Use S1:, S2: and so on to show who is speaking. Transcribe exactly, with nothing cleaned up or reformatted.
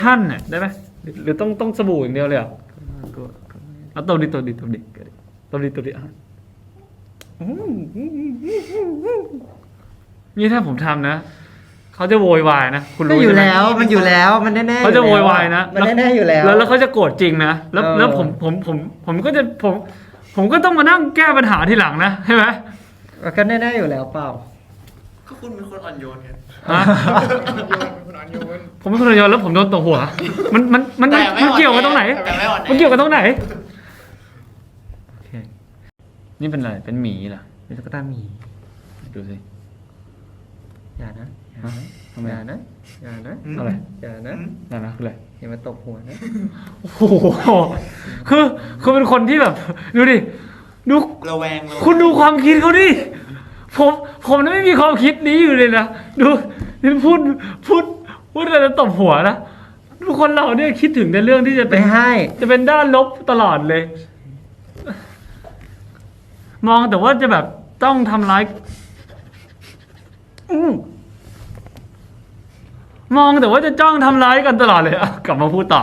S1: ท่านน่ะได้ไหมหรือต้องต้องสบู่อย่างเดียวเลยเหรอเอาตัวดิตัวดิตัวดิตัวดิตัวดิอ่ะนี่ถ้าผมทำนะเขาจะโวยวายนะคุณ
S2: ก็
S1: รู้
S2: อยู่
S1: ใช่ไหม
S2: แล้วมันอยู่แล้วมันแน่ๆ
S1: เขาจะโวยวายนะ
S2: มันแน่ๆอยู่แล้ว
S1: แล้วแล้วเขาจะโกรธจริงนะแล้ว
S2: เออ
S1: แล้วผมผมผมผมก็จะผม ผมก็ต้องมานั่งแก้ปัญหาทีหลังนะใช่ไหม
S2: ก็แน่ๆอยู่แล้วเปล่า
S3: ก็คุณเป็นคนอ่อนโยนไง
S1: ฮะ
S4: เป็นคนอ่อนโยน
S1: ผมเป็นคนระยองแล้วผมโดนตบหัว มันมันมัน
S3: แต่ไม่
S1: มัน
S3: อ่อน
S1: เกี่ยวกันตรงไหน
S3: แต่ไม่อ่อนแอ
S1: มันเกี่ยวกันตรงไหนโอเคนี่เป็นอะไรเป็นหมีเหรอ
S2: เป็นตุ๊กตาหมี
S1: ดูสิ
S2: อย่านะอย่า
S1: ฮะ
S2: นะ
S1: ทำไม
S2: อย่านะอย่านะ
S1: อะไร
S2: อย่านะ
S1: นั่นนะคืออะไร
S2: อย่ามาตบหัวนะ
S1: โอ้โหคือคือเป็นคนที่แบบ ดูดิดู
S3: ระแวงระแวง
S1: คุณดูความคิดเขาดิผมผมน่ะไม่มีความคิดนี้อยู่เลยนะดูนี่พูดพูดพูดอะไรแล้วตบหัวนะทุกคนเราเนี่ยคิดถึงแต่เรื่องที่จะเป็
S2: ไม่
S1: น
S2: ให้
S1: จะเป็นด้านลบตลอดเลย มองแต่ว่าจะแบบต้องทำร้ายอื้อมองแต่ว่าจะจ้องทำร้ายกันตลอดเลยอ่ะกลับมาพูดต่อ